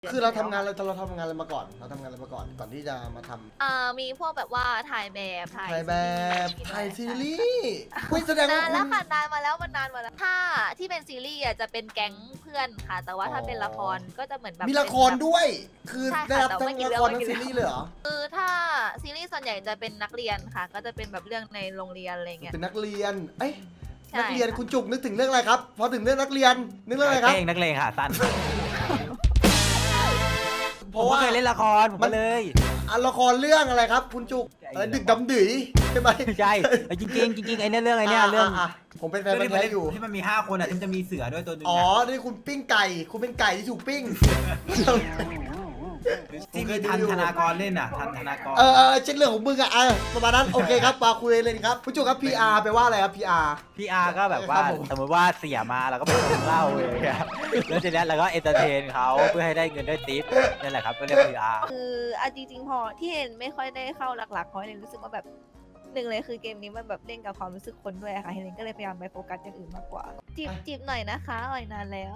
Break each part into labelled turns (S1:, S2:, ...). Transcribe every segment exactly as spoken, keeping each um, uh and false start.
S1: คือเราทำงานเราเราทำงานอะไรมาก่อนเราทำงานอะไรมาก่อนก่อนที่จะมาทำ
S2: อ่ามีพวกแบบว่าถ่ายแบบถ่าย
S1: ถ่ายแบบถ่ายซีรีส์คุยแสดงว่าน
S2: าน
S1: คุ
S2: แล้ว
S1: ณ
S2: ค่ะนานมาแล้วมันนานมาแล้วถ้าที่เป็นซีรีส์อ่ะจะเป็นแก๊งเพื่อนค่ะ แต่ว่าถ้าเป็นละครก็จะเหมือนแบบ
S1: มีละครด้วย คือ
S2: ใช่ค่ะ
S1: ได้รับ
S2: แต่
S1: ทั้
S2: ไม่
S1: ง
S2: กี่
S1: ละ
S2: เรื่อง
S1: คร
S2: ไม่
S1: ทั้ง
S2: กี่
S1: ซี
S2: เรื่อง
S1: รีส์เลยเหรอ
S2: คือถ้าซีรีส์ส่วนใหญ่จะเป็นนักเรียนค่ะ ก็จะเป็นแบบเรื่องในโรงเรียนอะไรเงี้ย
S1: เป็นนักเรียนเอ้ย
S2: ใช่
S1: นักเรียน
S2: ค่ะ
S1: คุณจุกนึกถึงเรื่องอะไรครับพอถึงเรื่องนักเรียนนึกเรื่องอะไรครับ
S3: เพลงนักเลงค่ะสั้น
S1: เพ
S3: ผม
S1: ราะ
S3: ก็
S1: ว่า
S3: เคยเล่นละครผมก็เลย
S1: อ่ะละครเรื่องอะไรครับ คุณจุกอะไรดึกดำดื่ยใช่ไหม
S3: ใช่จริงจริงๆจริงๆไอ้เนี่ยเรื่องไอ้เนี่ยเรื่อง
S1: ะะผมเป็นแฟนพันธุ์แท้อยู่
S4: ที่มันมีห้าคนอ่ะที่มันจะมีเสือด้วยตัวหนึง
S1: อ๋อ
S4: อะ
S1: นี่คุณปิ้งไก่ คุณเป็นไก่ที่ถูกปิ้ง
S4: ที่มีทันธนากรเล่นอ่ะทันธนากร
S1: เออเออเช็ดเรื่องของมึงอะเออประมาณนั้นโอเคครับมาคุยเลยครับคุณจุกครับ พี อาร์ แปลว่าอะไรครับ พี อาร์
S3: พี่อาร์ก็แบบว่า
S1: ครับผม
S3: สมมติว่าเสียมาเราก็ไปกินเหล้าเลยครับแล้วทีนี้เราก็เอนเตอร์เทนเขาเพื่อให้ได้เงินได้ทิปนั่นแหละครับก็เรียกพีอาร์
S2: คืออ่ะจริงๆพอที่เห็นไม่ค่อยได้เข้าหลักๆเพราะเห็นรู้สึกว่าแบบหนึ่งเลยคือเกมนี้มันแบบเล่นกับความรู้สึกคนด้วยอะค่ะเฮเลนก็เลยพยายามไปโฟกัสอย่างอื่นมากกว่าจีบจีบหน่อยนะคะอ่อยนานแล้ว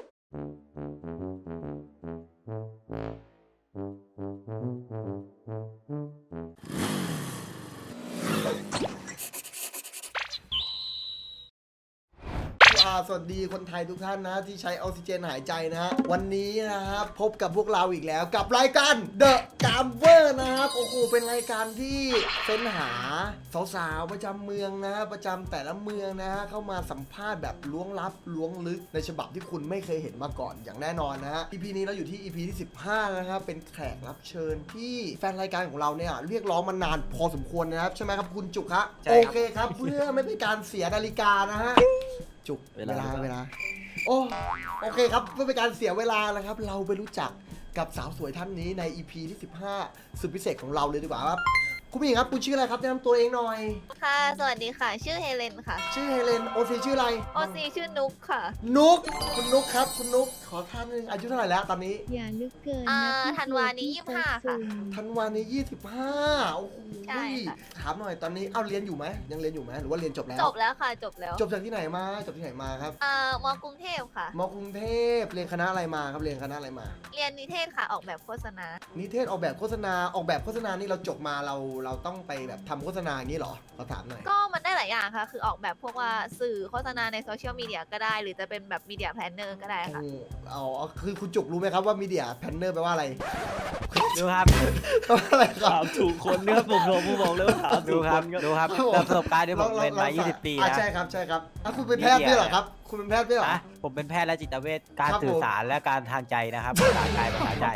S1: อ่าสวัสดีคนไทยทุกท่านนะที่ใช้ออกซิเจนหายใจนะฮะวันนี้นะครับพบกับพวกเราอีกแล้วกับรายการ The Gamer นะครับโอ้โหเป็นรายการที่เฟ้นหาสาวๆประจำเมืองนะฮะประจำแต่ละเมืองนะฮะเข้ามาสัมภาษณ์แบบล้วงลับล้วงลึกในฉบับที่คุณไม่เคยเห็นมาก่อนอย่างแน่นอนนะฮะ อี พี นี้เราอยู่ที่ อี พี ที่สิบห้านะครับเป็นแขกรับเชิญที่แฟนรายการของเราเนี่ยเรียกร้องมานานพอสมควรนะครับใช่ไหมครับคุณจุกฮะ
S3: ใช่
S1: โอ
S3: ครับ
S1: เคครับเพื่อไม่เป็นการเสียนาฬิกานะฮะ จุกเวลาเวลาโอ้โอเคครับเพื่อเป็นการเสียเวลานะครับ เราไปรู้จักกับสาวสวยท่านนี้ใน อี พี ที่สิบห้าสุดพิเศษของเราเลยดีกว่าครับคุณผู้หญิงครับคุณชื่ออะไรครับแนะนำตัวเองหน่อย
S2: ค่ะ สวัสดีค่ะ ชื่อเฮเลนค่ะ
S1: ชื่อเฮเลนโอซีชื่ออะไร
S2: โอซีชื่อนุกค่ะ
S1: นุกคุณนุกครับคุณนุกขอท่านนึงอายุเท่าไหร่แล้วตอนนี้
S5: อย่าลึกเกิน
S2: อ่า
S5: นะพี่
S2: ธันวานี้
S5: พี่
S2: ยี่สิบห้าค่ะ
S1: ธันวานี้ยี่สิบห้าโอ้โห
S2: ใช่ค่ะ
S1: ถามหน่อยตอนนี้เอ้าเรียนอยู่ไหมยังเรียนอยู่ไหมหรือว่าเรียนจบแล้ว
S2: จบแล้วค่ะจบแล้ว
S1: จบจากที่ไหนมาจบที่ไหนมาครับ
S2: อ่ามอกรุงเทพค่ะ
S1: มกรุงเทพเรียนคณะอะไรมาครับเรียนคณะอะไรมา
S2: เรียนนิเทศค่ะออกแบบโฆษณา
S1: นิเทศออกแบบโฆษณาออกแบบโฆษณานี่เราจบมาเราเราต้องไปแบบทำโฆษณาอย่างนี้เหรอขอถามหน่อย
S2: ก็มันได้หลายอย่างค่ะ คือออกแบบพวกว่าสื่อโฆษณาในโซเชียลมีเดียก็ได้ หรือจะเป็นแบบมีเดียแพลนเนอร์ก็ได้ค่ะ
S1: โอ้เอาเอาคือคุณจุกรู้ไหมครับว่ามีเดียแพนเนอร์แปลว่าอะไร
S3: ดูครับ
S1: แปลว่าอะไรครับ
S6: ถามถูกคนเนี่ยผมผมผมบอกเลยว่าถาม
S3: ดู
S6: ถูก
S3: ค
S6: ครับ น
S3: ดูครับ
S1: ครับผม
S3: จากประสบการณ์ที่ผม
S1: รา
S3: เป็นมา
S1: รา
S3: ยี่สิบ ปี
S1: อ่ะ
S3: นะ
S1: ใช่ครับใช่ครับอ่ะคุณเป็นแพทย์ด้วยเหรอครับ คุณเป็นแพทย์ด้วยเหรอ
S3: นะผมเป็นแพทย์และจิตเวชการ
S1: ครับผม
S3: สื่อสารและการทางใจนะครับภาษากายภาษาใจ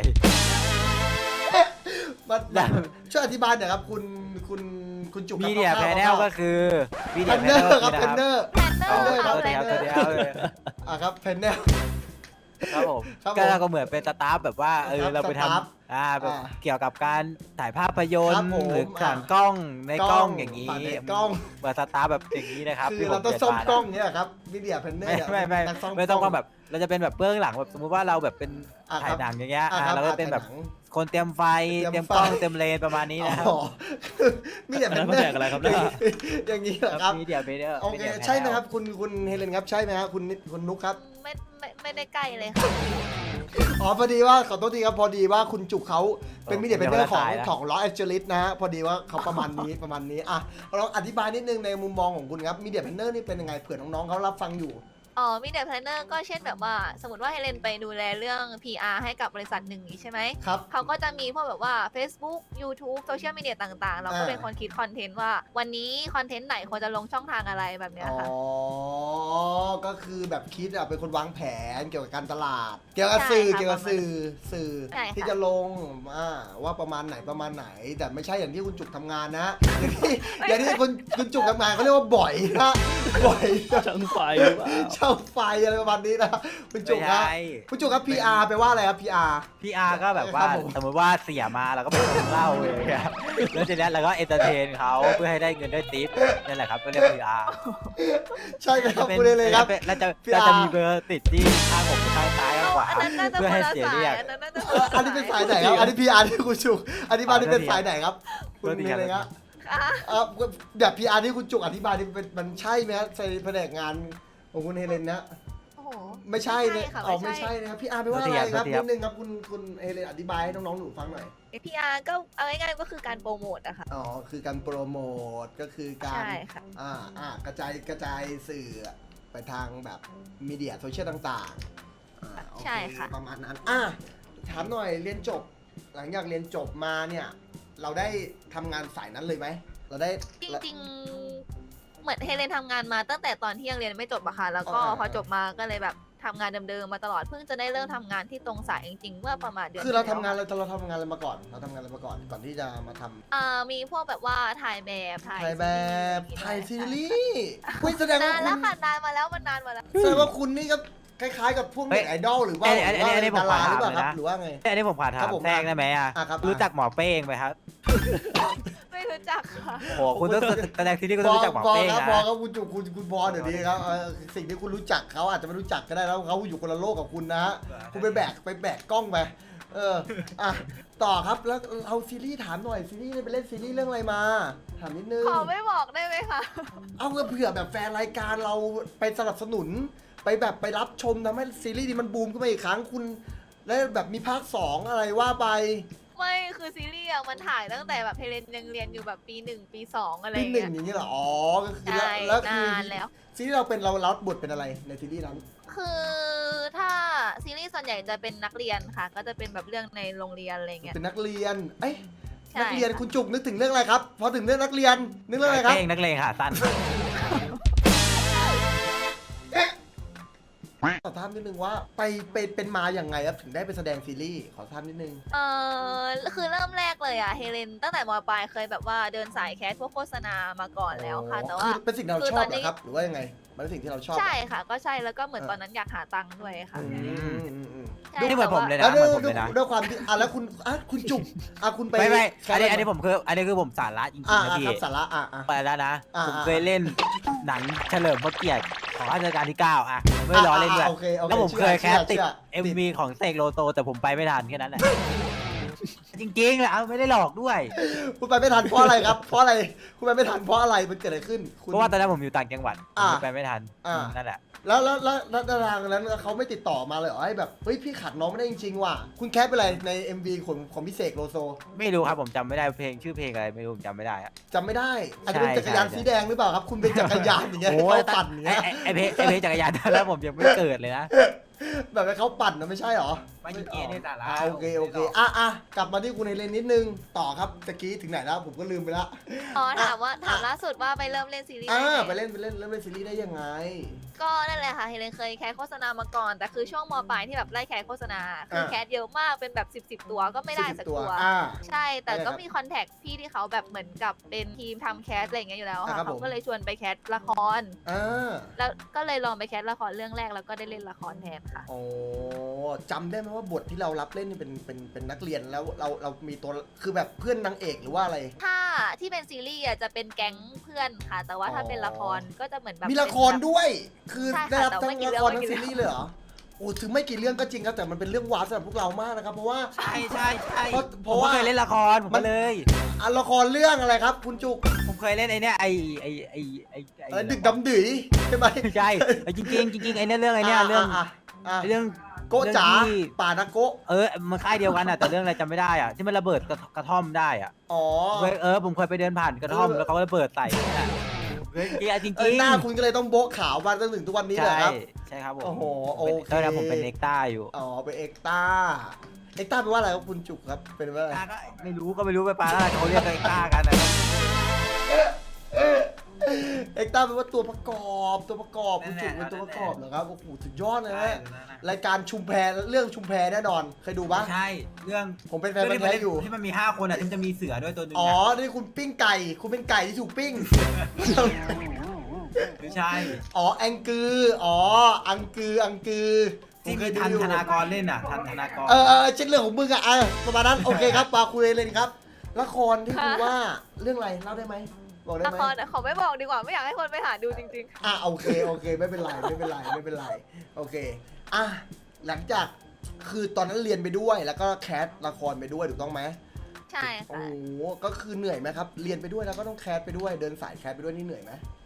S1: มันช่วยอธิบายหน่อยครับคุณคุณคุณจุก
S3: มีเดีย
S1: ค
S3: แพ
S1: ร่าวๆ
S3: นแนลก็คือมี
S1: แพ
S3: เดีย
S1: น
S3: แพ
S1: เน
S3: น
S1: อ
S3: แนล
S1: ร์ครับแพนเนอร์
S2: แพลนเนอ
S1: เอา
S2: ร์
S1: เลย
S2: ค่ะ
S1: ค
S2: แพ
S1: รับ
S2: ลนเนอร์
S3: ตัวเดียว
S1: อ่ะครับแพนเนอร์
S3: ครับผม
S1: ครับผม
S3: ก็เราก็เหมือนเป็นสตาฟแบบว่าเออ
S1: ครับ
S3: เราไป
S1: สตาฟ
S3: ทำอ่าแบบ
S1: อ่า
S3: เกี่ยวกับการถ่ายภาพยน
S1: ครั
S3: ต
S1: บ
S3: ร์
S1: ผม
S3: หรือ
S1: อ่า
S3: ผ่านกล้องในกล้องอย่าง
S1: นี้
S3: นี้
S1: กล้อง
S3: เหมือนสตาฟแบบอย่างนี้นะครับ
S1: คือ
S3: ที่ผ
S1: เรา
S3: ม
S1: ต้อง
S3: รียน
S1: ซ่อม
S3: มานะ
S1: กล้องเนี่ยครับมีเดียแพนเนอร์
S3: ไม่ไม่ไม่
S1: นักซ่อม
S3: ไม่ต้อง
S1: กล้
S3: ว่าแบบเราจะเป็นแบบเบื้องหลังแบบสมมุติว่าเราแบบเป็น
S1: อ่ะ
S3: ถ่าย
S1: ครับ
S3: หนังอย่างเงี้ย
S1: อ่ะ
S3: อ่า
S1: ครับ
S3: เราก็เป็นแบบ
S1: ถ่ายหนัง
S3: คนเตรียมไฟ
S1: เต
S3: เต
S1: รี
S3: รี
S1: ย
S3: ย
S1: ม
S3: มกล้อง
S1: ไฟ
S3: เตรียมเลนประมาณนี้นะครับ
S1: อ๋อมีเดียแพนเนอ
S6: แล้วมันแด
S1: ร์
S6: กอะไรครับเนี่ย
S1: อย่างนี้เหรอครับ
S3: มีเดียเบเดอร์
S1: โอเคใช่ไหมครับคุณคุณเฮเลนครับใช่ไหมครับคุณคุณนุกครับ
S2: ไม่ไม่ไม่ได้ใกล้เลยค่ะ
S1: อ๋อพอดีว่าขอโทษทีครับพอดีว่าคุณจุกเขาเป็นมีเดียเป็นเรื่องของของลอสแอนเจลิสนะฮะพอดีว่าเขาประมาณนี้ ประมาณนี้อ่ะลองอธิบายนิดนึงในมุมมองของคุณครับมีเดียแพนเนอร์นี่เป็นยังไงเผื่อน้องๆเขารับฟังอยู่
S2: อ๋อมีเดียแพลนเนอร์ก็เช่นแบบว่า สมมติว่าเฮเลนไปดูแลเรื่อง พี อาร์ ให้กับบริษัทหนึ่งนี้ใช่ไหม
S1: ครับ
S2: เขาก็จะมีพวกแบบว่า Facebook YouTube โซเชียลมีเดียต่างๆ เราก็
S1: อ่า
S2: เป็นคนคิดคอนเทนต์ว่า วันนี้คอนเทนต์ไหนควรจะลงช่องทางอะไรแบบเนี้ย
S1: อ๋อ
S2: ค่ะ
S1: ก็คือแบบคิดอะเป็นคนวางแผนเกี่ยวกับการตลาด เกี่ยวกับสื่อ
S2: ใช่ค่ะ
S1: เกี่ยวกับสื่อสื่อ
S2: ใช่ค่ะ
S1: ที่จะลงอ่าว่าประมาณไหนประมาณไหน แต่ไม่ใช่อย่างที่คุณจุกทำงานนะ อย่างที่อย่างที่คุณคุณจุกทำงานเขาเรียกว่าบ่อยนะบ่อย
S6: ช่างไฟหรือเปล่า
S1: เช่าไฟอะไรประมาณนี้นะคุณจุกครับคุณจุกครับ พี อาร์ แปลว่าอะไรครับ พี อาร์
S3: พีอาร์ก็แบบว่า
S1: ครับผม
S3: สมมติว่าเสียมาเราก็ไปกินเหล้าเลยครับแล้วทีนี้เราก็เอนเตอร์เทนเขาเพื่อให้ได้เงินได้ทิปนั่นแหละครับก็เรียกพีอาร์
S1: ใช่ไหมครับคุณเลยเลยครับ
S3: แล้วจะ
S1: พีอาร์
S3: เราจะมีเบอร์ติดที่ข้างผมกับข้างซ้ายข้างขวา
S2: อันนั้นน่าจะ
S3: เพื่อ
S2: คน
S3: ให้
S2: ละ
S3: เสีย
S2: สา
S3: เรี
S2: ย
S3: ยก
S2: อันนั้นน่าจะค
S1: เอน อ
S2: ละ
S1: อันนี้เป็นสายไหนครับ อันนี้ พี อาร์ ที่คุณจุกอันนี้มาที่เป็นสายไหนครับ คุณ
S3: โทษที
S1: มี
S3: ครับ
S1: อะไรครับ
S2: อ่ะ
S1: เออแบบ พี อาร์ ที่คุณจุกอธิบายนี่เป็นมันใช่ไหมครับในแผนกงานของคุณเฮเลนนะ
S2: โอ้โห
S1: ไม่ใช่เลย
S2: ค่ะ
S1: อ๋อ
S2: ไม่
S1: ไม่
S2: ใช่
S1: ใช่นะครับพี่อาร์ไม่ว่าอะไรครับนิดนึงครับคุณคุณเอเลนอธิบายให้น้องๆหนูฟังหน่อย
S2: พีอาร์ก็เอาง่ายๆก็คือการโปรโมทอะค่ะ
S1: อ๋อคือการโปรโมทก็คือการ
S2: ใช่ค่ะ
S1: อ่าอ่ากระจายกระจายสื่อไปทางแบบมีเดียโซเชียลต่างๆอ่าโอเ
S2: ใช่ค่ะ
S1: ประมาณนั้นอ่ะถามหน่อยเรียนจบ หลังจากเรียนจบมาเนี่ยเราได้ทำงานสายนั้นเลยไหมเราได้
S2: จริงๆ เหมือนเฮเลนทำงานมาตั้งแต่ตอนที่ยังเรียนไม่จบอะค่ะแล้วก็
S1: อ่า
S2: พอจบมาก็เลยแบบทำงานเดิมๆมาตลอดเพิ่งจะได้เริ่มทำงานที่ตรงสายจริงๆเมื่อประมาณเดือน
S1: คือเรา
S2: ที่
S1: ทำงาน
S2: แล้ว
S1: เราเราทำงานอะไรมาก่อน เราทำงานอะไรมาก่อนก่อนที่จะมาทำ
S2: อ่ามีพวกแบบว่าถ่ายแบบถ่าย
S1: ถ่ายแบบ
S2: ซีรีส์
S1: ถ่ายซีรีส์คุยแสดงว่าน
S2: าน
S1: คุ
S2: แล้ว
S1: ณ
S2: ค่ะนานมาแล้วมันนานมาแล้ว
S1: แสดงว่าคุณนี่ก็คล้ายๆกับพวก
S3: เฮ้
S1: เน็
S3: ย
S1: ตไอดอลหรือว่า
S3: อันนี้อันนี้
S1: หรือว่า
S3: อันนี้ผม
S1: ดาราหรือเปล่า
S3: ขอถาม
S1: ครับ
S3: เลยนะ
S1: หรือว่าไง
S3: อันนี้ผมขอถา
S1: ครั
S3: ม
S1: บผม
S3: แทรกได้ไหมอ่ะ
S1: อ่ะครับ
S3: รู้จักหมอเป้งไหมครับ
S2: ไม่รู้จักค่ะ
S3: โอ้โหคุณต้องแสดงซีรีส์คุณ
S1: พ
S3: ต้อง
S1: อ
S3: รู้จักหมอ
S1: พอ
S3: เป้ง
S1: ครับ
S3: นะ
S1: พอครับคุณจุกคุณคุณพอเดี๋ยวนี้ครับเออสิ่งที่คุณรู้จักเขาอาจจะไม่รู้จักก็ได้แล้วเขาอยู่คนละโลกกับคุณนะฮะคุณไปแบกไปแบกกล้องไปเอออ่ะต่อครับแล้วเอาซีรีส์ถามหน่อยซีรีส์ไปเล่นซีรีส์เรื่องอะไรมาถามนิดนึง
S2: ขอไม่บอกได้ไหมคะ
S1: เอาเผื่อแบบแฟนรายการเราไปสนับสนุน ไปแบบไปรับชมทำให้ซีรีส์นี้มันบูมขึ้นมาอีกครั้งคุณแล้วแบบมีภาคสองอะไรว่าไป
S2: ไม่คือซีรีส์อะมันถ่ายตั้งแต่แบบเฮเลนยังเรียนอยู่แบบปีหนึ่งปีสองอะไรอ
S1: ปี
S2: ย่าง
S1: หนึ่
S2: เงี้
S1: ง
S2: ย
S1: อย่างนี้เหรออ๋อก็คือ
S2: ใช่
S1: แล้วแล้วคื
S2: นา
S1: อน
S2: แล้ว
S1: ซีรีส์เราเป็นเรารับบทเป็นอะไรในซีรีส์นั้น
S2: คือถ้าซีรีส์ส่วนใหญ่จะเป็นนักเรียนค่ะ ก็จะเป็นแบบเรื่องในโรงเรียนอะไรเงี้ย
S1: เป็นนักเรียนเอ้ย
S2: ใช่
S1: นักเรียน
S2: ค่ะ
S1: คุณจุกนึกถึงเรื่องอะไรครับพอถึงเรื่องนักเรียนนึกเรื่องอะไรครับ
S3: เป้งนักเลงค่ะสั้น
S1: ขอถามนิดนึงว่าไปไปเป็นมาอย่างไงครับถึงได้ไปแสดงซีรีส์ขอถามนิดนึง
S2: เออคือเริ่มแรกเลยอะเฮเลนตั้งแต่มปลายเคยแบบว่าเดินสายแคสพวกโฆษณามาก่อนแล้วค่ะ แต่
S1: คื
S2: ว่า
S1: อเป็นสิ่งที่เรา
S2: คือ
S1: ชอบ
S2: ตอน
S1: เหร
S2: นี้
S1: อครับหรือว่ายังไงมันเป็นสิ่งที่เราชอบเหรอ
S2: ใช่ค่ะ ก็ใช่แล้วก็เหมือน
S1: เออ
S2: ตอนนั้นอยากหาตังค์ด้วยค่ะ
S1: อืมอืมอืม
S2: ใช่
S3: นี่เหมือนผมเลย
S2: แต่
S3: นะ
S2: ว่า
S1: แล้ว
S3: เหมื
S1: ด้วย
S3: อนผมเลยนะ
S1: ด้วยความที่อ่ะแล้วคุณอ่ะคุณจุกอ่ะคุณไป
S3: ไม่ไม่
S1: แค
S3: อันนี้
S1: ส
S3: อันนี้ผมคืออันนี้คือผมสาระจริง
S1: อ่ะ
S3: ๆนะ
S1: อ่ะ
S3: พี่
S1: ครับสาระอ่ะอ่ะ
S3: ไปแล้วนะ
S1: อ่า
S3: ผม
S1: อ่า
S3: เคยเล่นหนังเฉลิมพระเกียรติของรัชกาลที่เก้าอ่ะไม่ล้อเล่นด้วย
S1: โอเคโอเค
S3: แล้วผมเคย
S1: ชื่อ
S3: แคสติด
S1: ชื่อ
S3: เอ็มวีของเสกโลโซแต่ผมไปไม่ทันแค่นั้นแหละ จริงๆแล้วไม่ได้หลอกด้วย
S1: คุณไปไม่ทันเพราะอะไรครับเพราะอะไรคุณไปไม่ทันเพราะอะไรมันเกิดอะไรขึ้นคุณ
S3: เพราะว่าตอนนั้นผมอยู่ต่างจังหวัดผม
S1: อ่า
S3: ไปไม่ทัน
S1: อ่า
S3: นั่นแหละ
S1: แล้วแล้วแล้วแล้วดาราคนนั้นเขาไม่ติดต่อมาเลยเหรอให้แบบเฮ้ยพี่ขัดน้องไม่ได้จริงๆว่ะคุณแคสไปอะไรใน เอ็ม วี ของของพี่เสกโลโซ
S3: ไม่รู้ครับผมจำไม่ได้เพลงชื่อเพลงอะไรไม่รู้ผมจำไม่ได้อะ
S1: จำไม่ได้อาจจะเป็น
S3: ใช่
S1: จักรยาน
S3: ใช่
S1: สีแดงหรือเปล่าครับ คุณเป็นจักรยานอย่างเงี้ยให้
S3: โอ้ย
S1: เขาปั่นอย่าง
S3: ไอ้
S1: เงี้ย
S3: ไอ้ไอ้เพลงไอ้เพลงจักรยานแล้วผมยังไม่เกิดเลยนะ
S1: แบบให้เขาปั่นนะไม่ใช่เหรอ
S4: ไม่จริงๆนี่สาระ
S1: อ่ะโอเคโอเคอ่ะอ่ะกลับมาที่คุณเอเลนนิดนึงต่อครับตะกี้ถึงไหนแล้วผมก็ลืมไปละ
S2: อ๋อถามว่าถามล่าสุดว่าไปเริ่มเล่นซีรีส์
S1: อ่า
S2: ได้ไง
S1: ไปเล่นไปเล่นเล่นเล่นซีรีส์ได้ยังไง
S2: ก็นั่นแหละค่ะเฮเลนเคยแคสโฆษณามาก่อน แต่คือช่วงมปลายที่แบบไล่แคสโฆษณาคือแคสเยอะมากเป็นแบบสิบสิบตัวก็ไม่ได้
S1: สิบ
S2: สัก
S1: ตัว
S2: ตัว
S1: อ่า
S2: ใช่แต่
S1: ได้ครั
S2: ก็
S1: บ
S2: มีคอนแทคพี่ที่เขาแบบเหมือนกับเป็นทีมทำแคสอะไรอย่างเงี้ยอยู่แล้ว
S1: อ่าครั
S2: ค่ะ
S1: บผม
S2: เขาก็เลยชวนไปแคสละคร
S1: อ่า
S2: แล้วก็เลยลองไปแคสละครเรื่องแรกแล้วก็ได้เล่นละครแทนค่ะ
S1: โอ้จำได้ไหมว่าบทที่เรารับเล่นนี่เป็นเป็นเป็นนักเรียนแล้วเราเรามีตัวคือแบบเพื่อนนางเอกหรือว่าอะไร
S2: ถ้าที่เป็นซีรีส์อ่ะจะเป็นแก๊งเพื่อนค่ะ แต่ว่าถ้าเป็นละครก็จะเหมือนแบบ
S1: มีละครด้วย คือ
S2: ใช่ค่ะ
S1: ได้รับ
S2: แต่
S1: ทั้
S2: ไม่
S1: ง
S2: กี่
S1: ละ
S2: เรื่อง
S1: คร
S2: ไม่
S1: ทั้ง
S2: กี่
S1: ซีรีส์เลยเหรอ โอ้ถึงไม่กี่เรื่องก็จริงครับแต่มันเป็นเรื่องว้าวสำหรับพวกเรามากนะครับเพราะว่า
S4: ใช่ใช่ใช่
S1: เพราะเพ
S3: ผม
S1: ราะ
S3: ก็
S1: ว่า
S3: เคยเล่นละครผม
S1: มั
S3: ก็
S1: น
S3: เลย
S1: อ่ะละครเรื่องอะไรครับ คุณจุก
S3: ผมเคยเล่นไอ้เนี่ยไอ้ไอ้ไอ้ไอ้ไอ้
S1: อะไรดึกดำดื่ยใช่ไหม
S3: ใช่ไอ้จริงๆจริงๆไอ้เนี่ยเรื่องไอ้เนี่ยเรื่อง
S1: ะอ่ะ
S3: ไอ้เรื่อง
S1: โกะจ๋า
S3: เรื่องที่
S1: ป่านาโกะ
S3: เออมันค่ายเดียวกันอ่ะแต่เรื่องอะไรจำไม่ได้อ่ะที่มันระเบิดกระกระท่อมได้อ่ะ
S1: อ๋อ
S3: เคยเออผมเคยไปเดินผ่านกระท่อม
S1: เออ
S3: แล้วเขาก็ระเบิดใส่นั่นแหละเฮ้ยจริง
S1: เออหน้าคุณก็เลยต้องโบ๊ะขาวมาจนถึงทุกวันนี้เลย
S3: ใช่
S1: ครับ
S3: ใช่ครับผม
S1: โอ้โห
S3: ผมเป็น
S1: โอเค
S3: ตอนนั้นผมเป็นเอ็กต้าอยู่
S1: อ๋อเป็นเอ็กต้าเอ็กต้าแปลว่าอะไรครับคุณจุกครับเป็นว่าอะไร
S3: ต้าก็ไม่รู้ก็ไม่รู้ไปปลาแล้วเขาเรียกกันเอ็กต้ากันนะครับ
S1: เอ็กต้าแปลว่าตัวประกอบตัวประกอบคุณจุก
S4: นั่
S1: เป็น
S4: นแหละ
S1: ตัวประกอบเหรอครับโอ้โหสุดยอดเลย
S4: ใช่
S1: นะรายการชุมแพเรื่องชุมแพแน่นอนเคยดูปะ
S4: ใช่เรื่อง
S1: ผมเป็นแฟนพันธุ์แท้อยู่
S4: ที่มันมีห้าคนอ่ะที่มันจะมีเสือด้วยตัวหนึง
S1: อ๋อ
S4: อะ
S1: นี่คุณปิ้งไก่ คุณเป็นไก่ที่ถูกปิ้ง
S4: ไม่ใช่
S1: อ๋อแองกือ อ๋อ อังกือ อังกือ
S4: ที่
S1: ผ
S4: มี
S1: เคยดู
S4: ทัน
S1: อยู่
S4: ธนากรเล่นอ่ะทันธนากร
S1: เออเออเช่นเรื่องของมึงอะเออประมาณนั้น โอเคครับปาคุยเลยครับ ละครที่คุณว่าเรื่องอะไรเล่าได้ไหม บอกได้
S2: ละ
S1: ไหม
S2: ครอะขอไม่บอกดีกว่าไม่อยากให้คนไปหาดูจริง
S1: อ่ะโอเค โอเค ไม่เป็นไร ไม่เป็นไร ไม่เป็นไร โอเค อ่ะ หลังจาก คือตอนนั้นเรียนไปด้วย แล้วก็แคสละครไปด้วย ถูกต้องไหม
S2: ๆ ใช่
S1: โอ้
S2: ค่ะ
S1: โห ก็คือเหนื่อยไหมครับ เรียนไปด้วยแล้วก็ต้องแคสไปด้วย เดินสายแคสไปด้วยนี่เหนื่อยไหม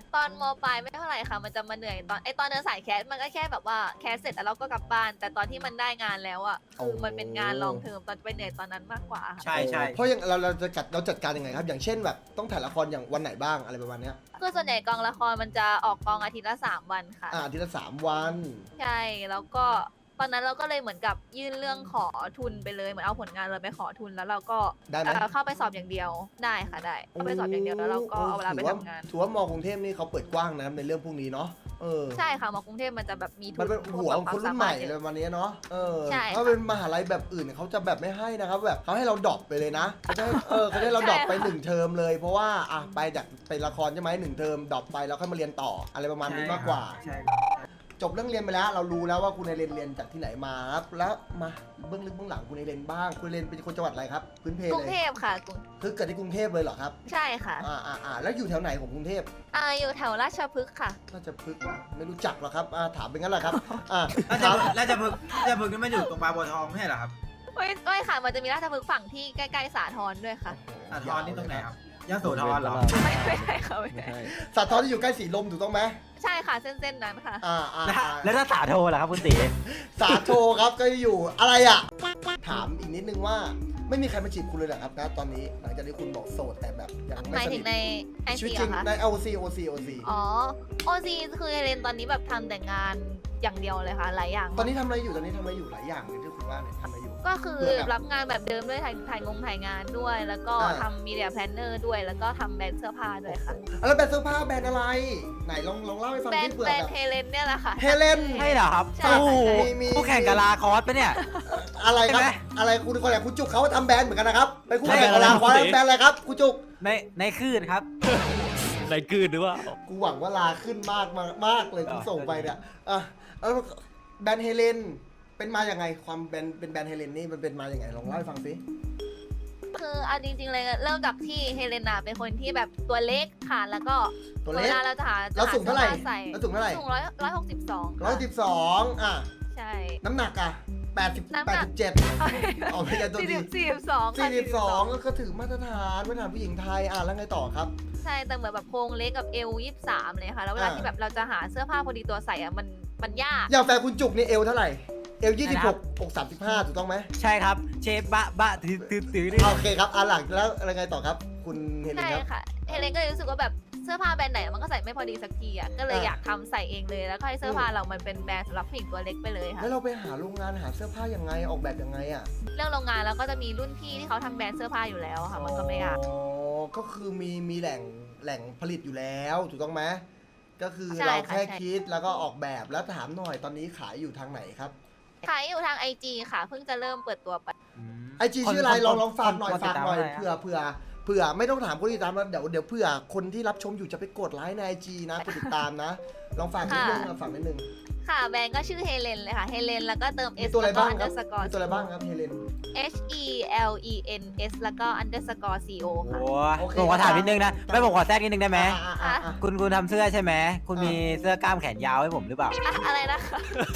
S2: ตอนมปลายไม่เท่าไหร่ค่ะ มันจะมาเหนื่อยตอนไอตอนเดินสายแคสมันก็แค่แบบว่าแคสเสร็จแล้วเราก็กลับบ้าน แต่ตอนที่มันได้งานแล้วอ่ะคือมันเป็นงานลองเทอมตอนไปเหนื่อยตอนนั้นมากกว่าค่ะ
S4: ใช่ใช่
S1: เพราะอย่างเราเราจะจัดเราจัดการยังไงครับ อย่างเช่นแบบต้องถ่ายละครอย่างวันไหนบ้างอะไรประมาณเนี้ย
S2: คือส่วนใหญ่กองละครมันจะออกกองอาทิตย์ละสามวันค่ะ
S1: อ่าอาทีละสามวัน
S2: ใช่แล้วก็ตอนนั้นเราก็เลยเหมือนกับยื่นเรื่องขอทุนไปเลยเหมือนเอาผลงานเราไปขอทุนแล้วเราก็
S1: ได้ไหม
S2: เอ่อเข้าไปสอบอย่างเดียวได้ค่ะได้เข้าไปสอบอย่างเดียวแล้วเราก็เอาเวลาไป
S1: ถืว่
S2: ทำงาน
S1: ถือว่ามอกรุงเทพนี่เขาเปิดกว้างนะครับในเรื่องพวกนี้เนาะเออ
S2: ใช่ค่ะมากรุงเทพมันจะแบบมีทุ
S1: มัน
S2: น
S1: เป็นหัวของคนรุ่นใหม่อะไรประมาณนี้เนาะเออ
S2: ใช่
S1: ถ้าเป็นมหาลัยแบบอื่นเขาจะแบบไม่ให้นะครับแบบเขาให้เราดรอปไปเลยนะเขาจะให้เออเขาจะให้เราดรอปไปหนึ่งเทอมเลย เพราะว่าอ่ะไปจากเป็นละครใช่ไหมหนึ่งเทอมดรอปไปแล้วค่อยมาเรียนต่ออะไรประมาณนี้มากกว่า
S4: ใช่ครับ
S1: จบเรื่องเรียนไปแล้วเรารู้แล้วว่าคุณไอเรนเรียนจากที่ไหนมาครับแล้วมาเบื้องลึกเบื้องหลังคุณไอเรนบ้างคุณไอเรนเป็นคนจังหวัดอะไรครับพื้นเพ
S2: กรุ
S1: เล
S2: ง
S1: ย
S2: เทพค่ะกรุง
S1: คือเกิดที่กรุงเทพเลยเหรอครับ
S2: ใช่ค่ะ
S1: อ่าอ่าอ่าแล้วอยู่แถวไหนของกรุงเทพ
S2: อ่าอยู่แถวราชพฤกษ์ค่ะ
S1: น่าจะพึกษ์ไม่รู้จักหรอกครับอ่าถามเป็นงั้นแหละครับอ่า
S4: แล้วจะ
S1: ถาม
S4: แล้วจะพึกจะพึกนี่มันอยู่ตรงบางบัวทองไม่ใช่เหรอครับ
S2: ไม่ไม่ค่ะ มันจะมีราชพฤกษ์ฝั่งที่ใกล้ๆสาทรด้วยค่ะ
S4: สาทรนี่ตรงไหนครับยโสธรเหรอ
S2: ไม่ไม่ใช่ค่ะไม่
S6: ไม่
S2: ใช่
S6: ใช่
S1: สาทรที่อยู่ใกล้สีลมถูกต้องไหม
S2: ใช่ค่ะเส้นๆนั้นค่ะ
S1: อ่าอ่า
S3: แล้ว
S1: อ่า
S3: แล้วถ้าสาโทล่ะครับคุณตี
S1: สาโทครับก็อยู่อะไรอ่ะ ถามอีกนิดนึงว่าไม่มีใครมาจีบคุณเลยเหรอครับนะตอนนี้หลังจากที่คุณบอกโสดแต่แบบยัง
S2: ห
S1: ไม่
S2: มาย
S1: ส
S2: ถึ
S1: นิท
S2: งในไอ
S1: ชีวิ
S2: ซี
S1: ตจริง
S2: เหรอคะ
S1: ใน โอ ซี โอ ซี โอ ซี
S2: อ๋อโอซีคือเรนตอนนี้แบบทำแต่งานอย่างเดียวเลยค่ะ หลายอย่าง
S1: ตอนนี้ทำอะไรอยู่ตอนนี้ทำอะไรอยู่หลายอย่างเลยที่คุณว่าเนี่ยทำอะไรอยู่
S2: ก็คือ
S1: เพื่อแบบ
S2: รับงานแบบเดิมด้วยถ่ายถ่ายงงถ่ายงานด้วย แล้วก็
S1: อ่า
S2: ทำมีเดียแพลนเนอร์ด้วย แล้วก็ทำแบรนด์เสื้อผ้าด้วยค่ะ
S1: อ่ะแล้วแบรนด์เสื้อผ้าแบรนด์อะไร ไหนลองลองเล่าให้ฟัง
S2: แบรน
S1: ที่
S2: ด์
S1: เผื่อ
S2: แบรน
S1: แบบ
S2: ด์เฮเลนเนี่ยแหละค่ะ
S1: เฮเลน
S3: ใช่เหรอครับ
S2: ใช่
S3: โอ้โห
S1: มีมี
S3: คู่แข่งกับลาคอสปะเนี่ย
S1: อะไรครับ
S3: ใช่ไหม
S1: อะไรคุณคนไหนคุณจุกเขาทำแบรนด์เหมือนกันนะครับไปคู่
S3: ใช่
S1: แข่งกับลาคอสแบรนด์อะไรครับคุณจุก
S3: ในในคลื่นครับ
S6: ในกลืนหรือว่า
S1: กูหวังว่าลาขึ้นมากมากมากเลยกูส่งไปเนี่ยอ่ะแล้วแบรนด์เฮเลนเป็นมาอย่างไงความแบรนด์เป็นแบรนด์เฮเลนนี่มันเป็นมาอย่างไงลองเล่าให้ฟังสิ
S2: คือเอาจริงๆเลยเริ่มจากที่เฮเลนาเป็นคนที่แบบตัวเล็กค่ะ แล้วก็
S1: ตัวเล็ก
S2: เวลาเราจะหา
S1: เราสูงเท่าไหร่
S2: จะสื้อผ้ใส่
S1: เราสูงเท่าไหร่
S2: สูงร้อยร้อยหกสิบสอง
S1: ร้อยสิบสองอ่ะ
S2: ใช่
S1: น้ำหนักอ่ะแปดสิบ
S2: น้ำห
S1: แป
S2: นั
S1: ด
S2: ก
S1: สิบเจ็ดออกไปกันตัว
S2: สี่
S1: ดี
S2: สิบสี่สิบสอง
S1: สี่สิบสองก็ถือมาตรฐานมาตรฐานผู้หญิงไทยอ่ะแล้วไงต่อครับ
S2: ใช่แต่เหมือนแบบโครงเล็กกับเอวยี่สิบสามเลยค่ะ แล้วเวลา
S1: อ่า
S2: ที่แบบเราจะหาเสื้อผ้าพอดีตัวใส่อะมันมันยาก
S1: อย่างแฟนคุณจุกนี่เอวเท่าไหร่เอวยี่สิบ
S3: นะค
S1: ห
S3: รั
S1: ก
S3: บ
S1: อกสามสิบห้าถูกต้องไหม
S3: ใช่ครับ เชฟบะบะตือตือตือนี่
S1: โอเคครับอ่ะหลังแล้วอะไรไงต่อครับ คุณเฮเลน
S2: ใช่
S1: ครับ
S2: ค่ะเฮเลนก็เลยรู้สึกว่าแบบเสื้อผ้าแบรนด์ไหนมันก็ใส่ไม่พอดีสักทีอ่ะก็เลย
S1: อ่า
S2: อยากทำใส่เองเลยแล้วก็ให้เสื้อผ้าเรามันเป็นแบรนด์สำหรับผู้หญิงตัวเล็กไปเลยค่ะ
S1: แล้วเราไปหาโรงงานหาเสื้อผ้ายังไงออกแบบยังไงอ่ะ
S2: เรื่องโรงงานแล้วก็จะมีรุ่นพี่ที่เขาทำแบรนด์เสื้อผ้าอยู่แล้วอะค่ะ มันก็ไม่ยาก
S1: อ๋อก็คือมีมีแหล่งแหล่งผลิตอยู่แล้วถูกต้องไหมก็คือ
S2: ใช่
S1: เรา
S2: ค่ะ
S1: แค่
S2: ใช่
S1: คิดแล้วก็ออกแบบแล้วถามหน่อยตอนนี้ขายอยู่ทางไหนครับ
S2: ขายอยู่ทางไอจีค่ะ เพิ่งจะเริ่มเปิดตัวไป
S1: ไอจีชื่ออะไรลองลองฝากหน่อย
S3: คติ
S1: ฝา
S3: ด
S1: ก
S3: ตม
S1: หน่อย
S3: ะไร
S1: เผื่อเผื่อเผื่อไม่ต้องถามคนที่ติดตามแล้วเดี๋ยวเดี๋ยวเผื่อคนที่รับชมอยู่จะไปกดไลค์ในไอจีนะกดติดตามนะ ลองฝากนิดนึง
S2: ค่ะ
S1: อ่ะฝากนิดนึง
S2: ค่ะแบรนด์ก็ชื่อเฮเลนเลยค่ะเฮเลนแล้วก็เติม
S1: มี
S2: S
S1: ตัวอะไร
S2: แล้วก็
S1: บ้างครับ
S2: underscore
S1: มีตัวอะไรบ้างครับเฮเลน
S2: H E L E N S แล้วก็ underscore C O
S3: โอ้
S2: ค่ะ
S1: โอเค
S3: ผมขอถามนิดนึงนะ
S1: ครับ
S3: ไม่ผมขอแทรกนิดนึงได้ไหม
S1: อ่ะอ่ะอ่ะ
S3: คุณคุณทำเสื้อใช่ไหมคุณมีเสื้อกล้ามแขนยาวให้ผมหรือเปล่า
S2: อะอะไรนะคะ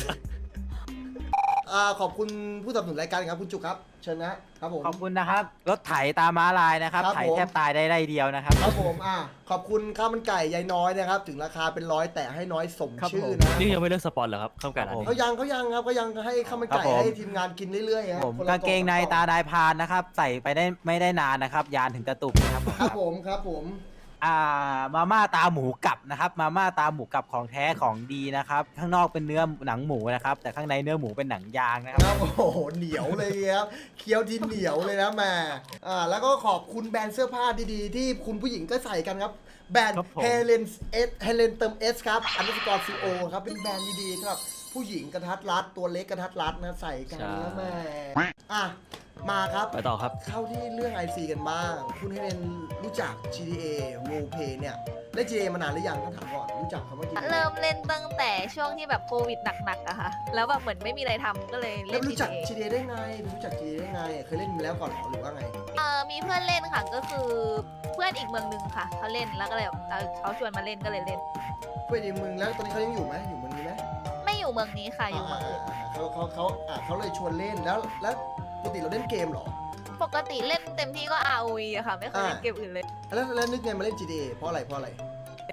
S1: อ่าขอบคุณผู้สนับสนุนรายการครับคุณจุกครับเชิญนะครับผม
S3: ขอบคุณนะครับ รถไถตามม้าลายนะครับ
S1: ครับ
S3: ไถ
S1: ผม
S3: แทบตายได้ไร่เดียวนะครับ
S1: ครับผมอ่ะขอบคุณข้าวมันไก่ยายน้อยนะครับ ถึงราคาเป็นร้อยแต่ให้น้อยสม
S6: ครับ
S1: ชื่
S6: ผ
S1: อ
S6: ม
S1: นะ
S6: นี่ยังไม่เลิกสปอนเหรอครับข้ามกันอันนี้
S1: เขายังเขายังครับเขายังให้ข้าวมันไก่
S3: ครับผม
S1: ให้ทีมงานกินเรื่อยๆครับ
S3: ผม
S1: คนละ
S3: กางเกงใน
S1: ล่อ
S3: ตาดายพรานนะครับ ใส่ไปได้ไม่ได้นานนะครับ ยานถึงตะตุ่มนะครับ
S1: ครับผมครับผม
S3: อ่ามาม่าตาหมูกลับนะครับ มาม่าตาหมูกลับของแท้ของดีนะครับ ข้างนอกเป็นเนื้อหนังหมูนะครับ แต่ข้างในเนื้อหมูเป็นหนังยางนะครับ
S1: ครับโอ้โหเหนียวเลยครับเคี้ยวที่เหนียวเลยนะแม่อ่าแล้วก็ขอบคุณแบรนด์เสื้อผ้าดีๆ ที่คุณผู้หญิงก็ใส่กันครับ แบรนด์
S6: ครับผม
S1: เฮเลนเอสเฮเลนเติมเอสครับอันดับกอร์ซีโอครับเป็นแบรนด์ดีๆสำหรับผู้หญิงกระทัดรัดตัวเล็กกระทัดรัดนะใส่กันนะแม่อ่ะมาครับ
S6: ไปต่อครับ
S1: เข้าที่เรื่อง ไอ ซี กันบ้าง คุณเฮเลนรู้จัก จี ที เอ Roleplay เนี่ยเล่น จี ที เอ มานานหรือยังต้องถามก่อนรู้จักคำว่า จี ที เอ
S2: เริ่มเล่นตั้งแต่ช่วงที่แบบโควิดหนักๆอะค่ะ แล้วแบบเหมือนไม่มีอะไรทำก็เลย
S1: แล้
S2: เล่
S1: วน รู้จัก
S2: จี
S1: จี ที เอ ได้ไงรู้จัก จี ที เอ ได้ไงเคยเล่นมาแล้วก่อนเหรอหรือว่าไง
S2: เอ่อมีเพื่อนเล่นค่ะก็คือเพื่อนอีกเมืองหนึงค่ะเขาเล่นแล้วก็เลยแบบเอ่อเขาชวนมาเล่นก็เลยเล่น
S1: เพื่อนในเมืองแล้วตอนนี้เขายังอยู่ไหมอยู่เมืองนี้ไหม
S2: ไม่อยู่เมืองนี้ค่ะอยู่เมืองอื่น
S1: อ่าๆๆเขาเขาเขาอ่าเขาเลยชวนเล่นแล้วแล้วปกติเราเล่นเกมเหรอ
S2: ปกติเล่นเต็มที่ก็ อาร์ โอ วี อะค่ะ ไม่เคยเล่น
S1: อ่า
S2: เกมอื่นเลย
S1: แล้วแล้วนึกไงมาเล่น จี ที เอ เพราะอะไรเพราะอะไร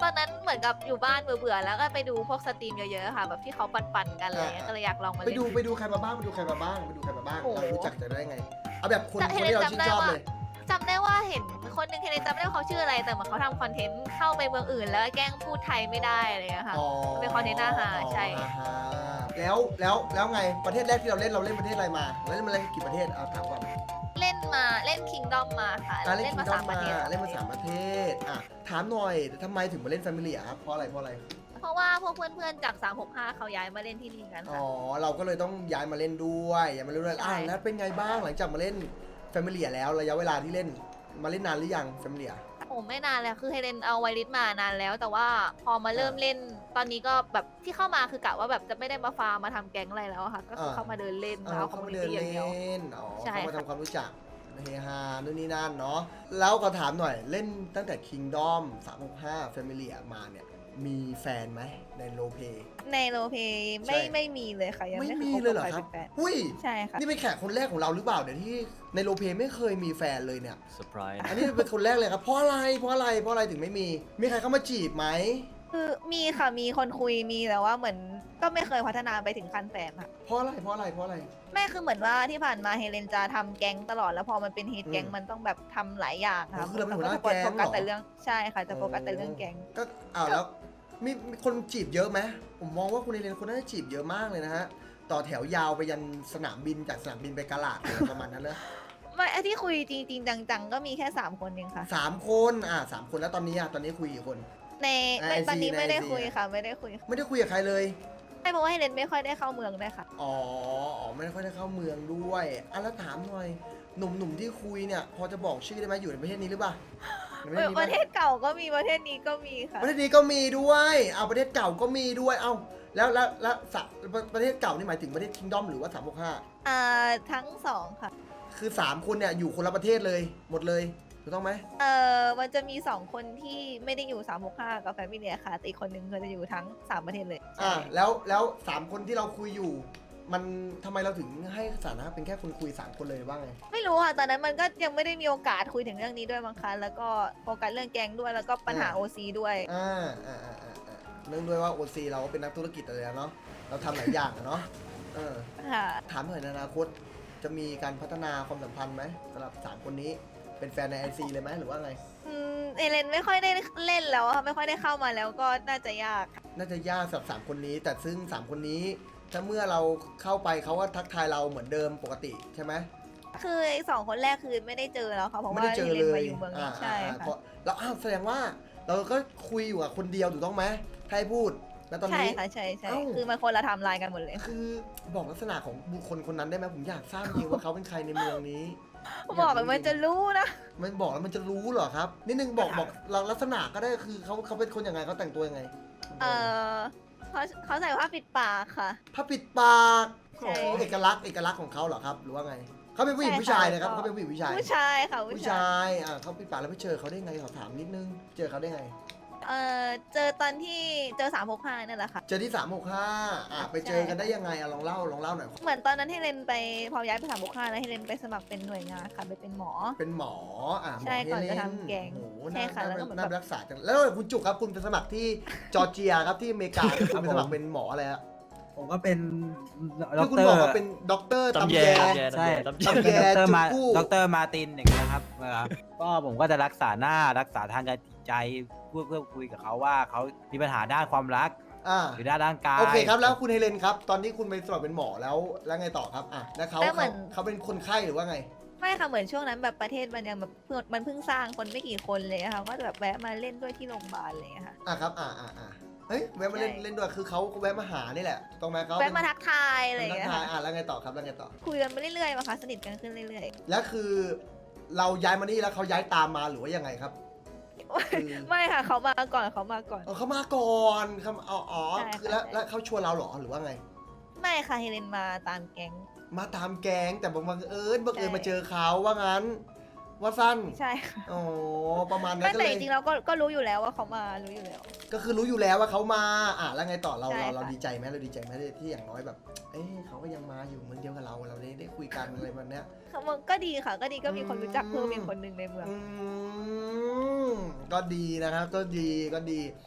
S2: ตอนนั้นเหมือนกับอยู่บ้านเบื่อๆแล้วก็ไปดูพวกสตรีมเยอะๆค่ะ แบบที่เขาปั่นๆกันอะไรเงี้ยก็เลยอยากลองมา
S1: ไป
S2: เล่น
S1: ดูไปดูใครมาบ้างไปดูใครมาบ้างไปดูใครมาบ้าง
S2: โอ้โห
S1: เรารู้จักจะได้ไงเอาแบบคน
S2: แต่
S1: คนที่เราชื่นชอบ
S2: เห็นจำได้ว่า
S1: เลย
S2: จำได้ว่าเห็นคนหนึงเฮเลนจำไม่ได้ว่าเขาชื่ออะไรแต่เหมือนเขาทำคอนเทนต์เข้าไปเมืองอื่น แล้วแกล้งพูดไทยไม่ได้อะไรเงี้ยค่ะ
S1: อ๋อ
S2: เป็นคอนเทนต์อาหารใช่
S1: อ่าฮะแล้วแล้วแล้วไงประเทศแรกที่เราเล่นเราเล่นประเทศอะไรมาเราเล่นมาเล่นกี่ประเทศเอาถามก่อน
S2: เล่นมาเล่นคิงดอมมาค่ะ
S1: อ่ะเล่น
S2: เล่น
S1: คิ
S2: มาง
S1: ดอ
S2: สาม มประเทศ
S1: เล่นมาสามประเทศอ่ะถามหน่อยทำไมถึงมาเล่นแฟมิลี่ครับเพราะอะไรเพราะอะไร
S2: เพราะว่าพวกเพื่อนๆจากสามหกห้าเขาย้ายมาเล่นที่นี่กัน
S1: อ๋
S2: ค่ะ
S1: อเราก็เลยต้องย้ายมาเล่นด้วยย้ายมาเล่นด้วย
S2: ใช่
S1: อ่ะแล้วเป็นไงบ้างหลังจากมาเล่นแฟมิลี่แล้วระยะเวลาที่เล่นมาเล่นนานหรือยังแฟมิลี่
S2: โอ้ไม่นานเลยคือเฮเลนเอาไวริสมานานแล้ว แต่ว่าพอมาเริ่มเล่นตอนนี้ก็แบบที่เข้ามาคือกะว่าแบบจะไม่ได้มาฟาร์มมาทำแก๊งอะไรแล้วอะค่ะ ก็คือเข้ามาเดินเล่น
S1: เอ
S2: มา
S1: อ
S2: เอาคอ
S1: เข้าม
S2: มู
S1: มา
S2: นิ
S1: เดิน
S2: ตี้อย่างเดียว
S1: เล่นอ๋อ
S2: ใช่
S1: เข้ามา
S2: ค่ะ
S1: ทำความรู้จักเฮฮานู่นนี่นั่นเนาะแล้วก็ถามหน่อยเล่นตั้งแต่ Kingdom สามหกห้า Family มาเนี่ยมีแฟนไหมในโลเป
S2: ในโรลเพลย์ไม่
S1: ใช่
S2: ไม่มีเลยค่ะ ยัง
S1: ไม่
S2: ไม่เค
S1: มี
S2: ยคบ
S1: เลยเหรอ
S2: กับใคร
S1: ครับ
S2: เป็นแฟน
S1: หุ้ย
S2: ใช่ค่ะ
S1: นี่เป็นแขกคนแรกของเราหรือเปล่าเดี๋ยวที่ในโลเปไม่เคยมีแฟนเลยเนี่ย
S6: เซอร์ไพรส์
S1: อันนี้เป็นคนแรกเลยครับเพราะอะไรเพราะอะไรเพราะอะไรถึงไม่มี มีใครเข้ามาจีบไหม
S2: คือมีค่ะมีคนคุยมีแต่ว่าเหมือนก็ไม่เคยพัฒนาไปถึงขั้นแฟนค่ะ
S1: เพราะอะไรเพราะอะไรเพราะอะไร
S2: แม่คือเหมือนว่าที่ผ่านมาเฮเลนจะทำแก๊งตลอดแล้วพอมันเป็นฮีทแก๊ง
S1: อืม
S2: มันต้องแบบทำหลายอย่าง
S1: อ๋
S2: ค่ะ
S1: อคือเราเป็นหัวหน้า
S2: ก็จะ
S1: แก๊ง
S2: โฟกัส
S1: เหรอ
S2: แต่เรื่องใช่ค่ะจะโฟกัสแต่เรื่องแก๊ง
S1: ก็อ้าวแล้วมีมีคนจีบเยอะไหมผมมองว่าคุณเอเลนคนน่าจะจีบเยอะมากเลยนะฮะต่อแถวยาวไปยันสนามบินจากสนามบินไปกาลาดอะไรประมาณนั้นนะ
S2: ไม่ไอ้ที่คุยจริงๆจังๆก็มีแค่สามคนเองค่ะ
S1: สามคนอ่ะสามคนแล้วตอนนี้อ่ะตอนนี้คุยกี่คน
S2: ใน
S1: ใน
S2: ไม่
S1: ไอจี
S2: ตอนนี้
S1: ใน
S2: ไม่ได้
S1: ไอจี
S2: คุยค่ะ ไม่ได้คุย
S1: ไม่ได้คุยกับใครเลย
S2: ไม่เพราะว่าเฮเลนไม่ค่อยได้เข้าเมืองด้วยค่ะ
S1: อ๋ออ๋อไม่ได้ค่อยได้เข้าเมืองด้วยอ่ะแล้วถามหน่อยหนุ่มๆที่คุยเนี่ยพอจะบอกชื่อได้ไหมอยู่ในประเทศนี้หรือเปล่าในประเทศนี้
S2: ป
S1: ปะ
S2: ระเทศเก่าก็มีประเทศนี้ก็มีค่ะ
S1: ประเทศนี้ก็มีด้วยเอาประเทศเก่าก็มีด้วยเอ้าแล้วแล้วแล้วสะประเทศเก่านี่หมายถึงประเทศคิงดอมหรือว่าสามหกห้า
S2: อ่าทั้งสองค่ะ
S1: คือสามคนเนี่ยอยู่คนละประเทศเลยหมดเลยถูกต้องไหม
S2: เออมันจะมีสองคนที่ไม่ได้อยู่สามหกห้ากับแฟมิเลียค่ะแต่อีกคนนึงก็จะอยู่ทั้งสามประเทศเลย
S1: อ่า
S2: ใช่
S1: แล้วแล้วสามคนที่เราคุยอยู่ มันทำไมเราถึงให้สถานะเป็นแค่คนคุยสามคนเลยว่าไง
S2: ไม่รู้ค่ะตอนนั้นมันก็ยังไม่ได้มีโอกาสคุยถึงเรื่องนี้ด้วยมั้งคะแล้วก็โฟกัสเรื่องแกงด้วยแล้วก็ปัญหา
S1: อ่า
S2: โอซีด้วย
S1: อ่าอ่าอ่าอ่าอ่าเนื่องด้วยว่าโอซีเราก็เป็นนักธุรกิจอะไรแล้วเนาะเราทำหลายอย่างอะเนาะเออ
S2: ค่ะ
S1: ถามหน่อยในอนาคตจะมีการพัฒนาความสัมพันธ์ไหมสำหรับสามคนนี้เป็นแฟนในไอซีเลยไหมหรือว่าไง
S2: อืมเอเลนไม่ค่อยได้เล่นแล้วอะค่ะไม่ค่อยได้เข้ามาแล้วก็น่าจะยากค่ะ
S1: น่าจะยากสำหรับสามคนนี้ แต่ซึ่งสามคนนี้ถ้าเมื่อเราเข้าไปเขาก็ทักทายเราเหมือนเดิมปกติใช่ไหม
S2: คือไอ้สองคนแรกคือไม่ได้เจอแล้วค่ะเพราะ
S1: ไม่
S2: ว่า
S1: ได้เจอ
S2: เฮเล
S1: เล
S2: นมาย อยู่เมืองนี้
S1: อ่า
S2: ใช่
S1: อ่า
S2: ค่ะ
S1: เพราะเราอ้าวแสดงว่าเราก็คุยอยู่กับคนเดียวถูกต้องไหมถ้าให้พูดแล้วตอน
S2: ใช่
S1: นี้
S2: ค่ะใช่ใช่
S1: เอ้า
S2: คือมันคนละไทม์ไลน์กันหมดเลย
S1: คือบอกลักษณะของบุคคลคนนั้นได้ไหมผมอยากทราบจริงว่าเขาเป็นใครในเมืองนี้
S2: บอกเลยมันจะรู้นะ
S1: มันบอกแล้วมันจะรู้เหรอครับนิดนึงบอกบอกเราลักษณะก็ได้คือเขาเขาเป็นคนยังไงเขาแต่งตัวยังไง
S2: เออเขาเขาใส่ผ้าปิดปากค่ะ
S1: ผ้าปิดปาก
S2: ใช่
S1: โอ้เอกลักษณ์เอกลักษณ์ของเขาเหรอครับหรือว่าไงเขาเป็นผู้หญิง
S2: ใช่
S1: ผู้ชาย
S2: ค่ะ
S1: นะครับ
S2: แล้วก็
S1: เขาเป็นผู้หญิงผู้ชาย
S2: ผู้ชายค่ะ
S1: ผู้
S2: ผู้
S1: ช
S2: ชาย
S1: ายอ่าเขาปิดปากแล้วไปเจอเขาได้ไงขอถามนิดนึงเจอเขาได้ไง
S2: เออเจอตอนที่เจอสามหกห้านั่นแหละค่ะ
S1: เจอที่สามหกห้าอ่ะไปเจอกันได้ยังไงอ่ะลองเล่าลองเล่าหน่อย
S2: เหมือนตอนนั้นเฮเลนไปพอย้ายไปสามหกห้าแล้วเฮเลนไปสมัครเป็นหน่วยงานค่ะไปเป็นหมอ
S1: เป็นหมออ่ะหม
S2: ใช่ก่อน
S1: เฮเล
S2: จะทำแกง
S1: โอ้โห
S2: ใช่
S1: น่า
S2: ค่ะแล้วก็
S1: น่า
S2: เหมือน
S1: น่า
S2: แบบ
S1: รักษาจังแล้วคุณจุกครับคุณไปสมัครที่จอร์เจียครับที่อเมริกาที่คุณไปสมัครเป็นหมออะไรฮะ
S4: ผมก็เป็น
S1: ที่คุณบอกว่าเป็นด็อกเตอร์
S6: ตำ
S1: ตำ
S6: แย
S1: แย
S6: ตำแย
S3: ใช่
S6: ตำ
S1: ตำ
S6: แย
S1: แย
S3: ดรมา
S1: จุกู้
S3: ดรมาร์ตินอย่างเงี้ยครับเวลาก็ผมก็จะรักษาหน้ารักษาทางการจิตใจเพื่อเพื่อคุยกับเขาว่าเขามีปัญหาด้านความรัก
S1: อ่า
S3: หรือด้านร่างกาย
S1: โอเคครับแล้วคุณเฮเลนครับ ตอนนี้คุณไปสมัครเป็นหมอแล้วแล้วไงต่อครับอ่ะแล้วเขา
S2: แล้วเหมื
S1: เขา
S2: อน
S1: เขาเป็นคนไข้หรือว่าไง
S2: ไม่ค่ะเหมือนช่วงนั้นแบบประเทศมันยังแบบเพิ่งมันเพิ่งสร้างคนไม่กี่คนเลยอะค่ะก็จะแบบแวะมาเล่นด้วยที่โรงพยาบาลอะไรอย่างเลยค่ะ
S1: อ่ะครับอ่าอ่าอ่าเฮ้ยแวะมาเล่น
S2: ใช่
S1: เล่นด้วยคือเขาแวะมาหานี่แหละถูกต้องไหมเขา
S2: แวะมาทักทายอะไร
S1: เป็
S2: อน ย่าง
S1: ทัก
S2: เงี้ย
S1: ทาย
S2: ค่ะ
S1: อ่ะแล้วไงต่อครับแล้วไงต่อ
S2: คุยกันไปเรื่อยๆมาค่ะสนิทกันขึ้นเรื่อย
S1: แล้วคือเราย้ายมานี่แล้วเขาย้ายตามมาหรือว่ายังไงครับ คือ
S2: ๆ ไม่ค่ะเขามาก่อนเขามาก่อน
S1: อ๋อเขามาก่อนเขาอ๋ออ๋อ
S2: ใช่ค่ะ
S1: คือแล้ว
S2: ใช่
S1: แล้วเขาชวนเราเหรอหรือว่าไง
S2: ไม่ค่ะเฮเลนมาตามแก๊ง
S1: มาตามแก๊งแต่บังเอิญบังเอิญ
S2: ใช่
S1: มาเจอเขาว่างั้น ว่าสั้น
S2: ใช่ค่ะ
S1: อ๋อประมาณนั้
S2: ไม่
S1: นก็
S2: แต่
S1: เล
S2: จ
S1: ย
S2: ริงๆเราก็ก็รู้อยู่แล้วว่าเขามารู้อยู่แล้ว
S1: ก็คือรู้อยู่แล้วว่าเขามาอ่ะแล้วไงต่อเรา
S2: ใช่
S1: เรา
S2: ค่ะ
S1: เราดีใจไหมเราดีใจไหมที่อย่างน้อยแบบ เอ้ยเขาก็ยังมาอยู่เมืองเดียวกับเราเราได้ได้คุยกันอะไรแบบเนี้ย
S2: ค่ะมันก็ดีค่ะ ก็ดีก็มีคนรู้จัก
S1: อืม
S2: เพิ่มอีกคนหนึ่งในเมือง
S1: อืมก็ดีนะครับก็ดีก็ดี